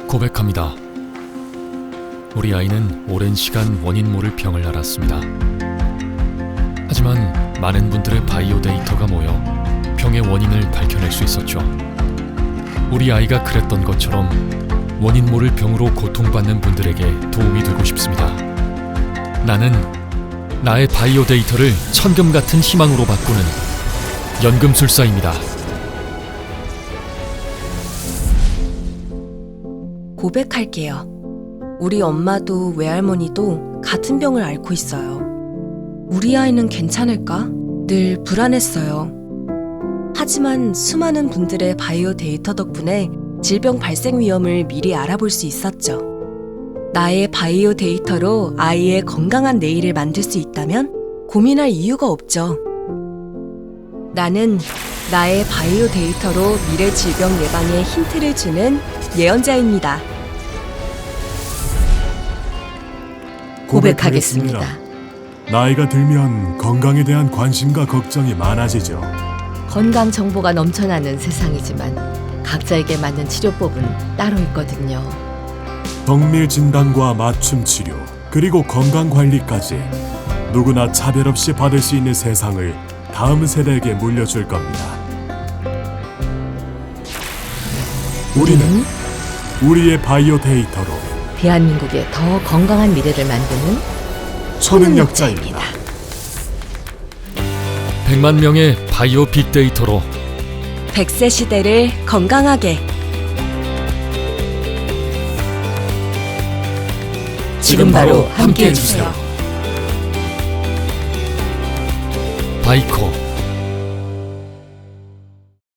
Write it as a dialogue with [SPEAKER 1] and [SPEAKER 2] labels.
[SPEAKER 1] 고백합니다. 우리 아이는 오랜 시간 원인 모를 병을 앓았습니다. 하지만 많은 분들의 바이오 데이터가 모여 병의 원인을 밝혀낼 수 있었죠. 우리 아이가 그랬던 것처럼 원인 모를 병으로 고통받는 분들에게 도움이 되고 싶습니다. 나는 나의 바이오 데이터를 천금 같은 희망으로 바꾸는 연금술사입니다.
[SPEAKER 2] 고백할게요. 우리 엄마도 외할머니도 같은 병을 앓고 있어요. 우리 아이는 괜찮을까? 늘 불안했어요. 하지만 수많은 분들의 바이오 데이터 덕분에 질병 발생 위험을 미리 알아볼 수 있었죠. 나의 바이오 데이터로 아이의 건강한 내일을 만들 수 있다면 고민할 이유가 없죠. 나는 나의 바이오 데이터로 미래 질병 예방에 힌트를 주는 예언자입니다.
[SPEAKER 3] 고백하겠습니다. 나이가 들면 건강에 대한 관심과 걱정이 많아지죠.
[SPEAKER 4] 건강 정보가 넘쳐나는 세상이지만 각자에게 맞는 치료법은 따로 있거든요.
[SPEAKER 3] 정밀 진단과 맞춤 치료, 그리고 건강 관리까지 누구나 차별 없이 받을 수 있는 세상을 다음 세대에게 물려줄 겁니다. 우리는 우리의 바이오 데이터로
[SPEAKER 4] 대한민국의 더 건강한 미래를 만드는
[SPEAKER 3] 초능력자입니다.
[SPEAKER 1] 100만 명의 바이오 빅데이터로
[SPEAKER 2] 100세 시대를 건강하게.
[SPEAKER 4] 지금 바로 함께 해주세요.
[SPEAKER 1] 바이코